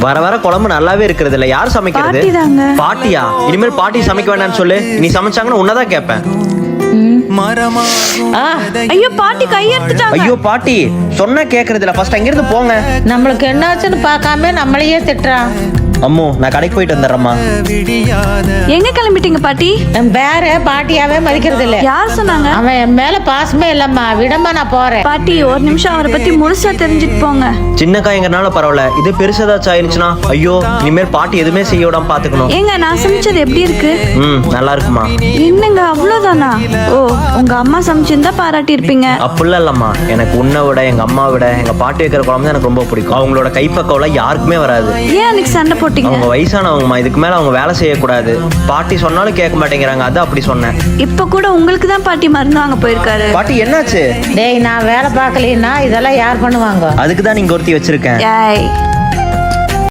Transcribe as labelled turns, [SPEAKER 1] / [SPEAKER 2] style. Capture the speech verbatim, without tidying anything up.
[SPEAKER 1] வர வர குழம்பு நல்லாவே இருக்கிறது இல்ல. யார் சமைக்கிறது? பாட்டியா? இனிமேல் பாட்டி சமைக்க வேண்டாம்னு சொல்லு. நீ சமைச்சாங்கன்னு உன்னதான் கேட்பேன்.
[SPEAKER 2] ஐயோ பாட்டி கையெடுத்துட்டாங்க.
[SPEAKER 1] ஐயோ பாட்டி சொன்னா கேக்குறது இல்ல. ஃபர்ஸ்ட் அங்க இருந்து போங்க.
[SPEAKER 3] நம்மளுக்கு என்னாச்சுன்னு பார்க்காம நம்மளையே திட்டுறான்.
[SPEAKER 1] அம்மோ நான் கடைக்கு போயிட்டு வந்துடுறேம்மா.
[SPEAKER 2] எங்க கிளம்பிட்டீங்க பாட்டி?
[SPEAKER 3] என் பேர பாட்டியாவே மதிக்கிறது இல்ல.
[SPEAKER 2] யார் சொன்னாங்க?
[SPEAKER 3] அவன் என் மேல பாசமே இல்லம்மா. விடமா நான் போறேன்.
[SPEAKER 2] பாட்டி ஒரு நிமிஷம் அவரை பத்தி முழுசா தெரிஞ்சுட்டு போங்க.
[SPEAKER 1] சின்ன காயங்கறனால பரவாயில்ல, இது பெருசதாச்சும் ஆயிருச்சுனா ஐயோ இனிமேல் பாட்டி எதுவுமே செய்ய விடாம பாத்துக்கணும்.
[SPEAKER 2] ஏங்க நான் சமைச்சது எப்படி இருக்கு?
[SPEAKER 1] ம் நல்லா இருக்குமா.
[SPEAKER 2] என்னங்க அவ்வளவுதானா? ஓ உங்க அம்மா சமைச்சிருந்தா பாராட்டி இருப்பீங்க.
[SPEAKER 1] அப்படிலாம் இல்லம்மா, எனக்கு உன்னை விட எங்க அம்மா விட எங்க பாட்டி வைக்கிற குழம்பு தான் எனக்கு ரொம்ப பிடிக்கும். அவங்களோட கைப்பக்கவெல்லாம் யாருக்குமே வராது.
[SPEAKER 2] ஏன் அன்னைக்கு சண்டை போட்டீங்க?
[SPEAKER 1] அவங்க வயசானவங்கம்மா, இதுக்கு மேல அவங்க வேலை செய்யக்கூடாது. பாட்டி சொன்னாலும் கேட்க மாட்டேங்கிறாங்க, அது அப்படி சொன்னேன்.
[SPEAKER 2] இப்ப கூட உங்களுக்கு தான் பாட்டி மருந்து வாங்க போயிருக்காரு.
[SPEAKER 1] பாட்டி என்னாச்சு?
[SPEAKER 3] டேய் நான் வேலை பார்க்கலன்னா இதெல்லாம் யார் பண்ணுவாங்க?
[SPEAKER 1] அதுக்கு தான் நீங்க ஒருத்தி வச்சிருக்கேன்.
[SPEAKER 2] ஏய்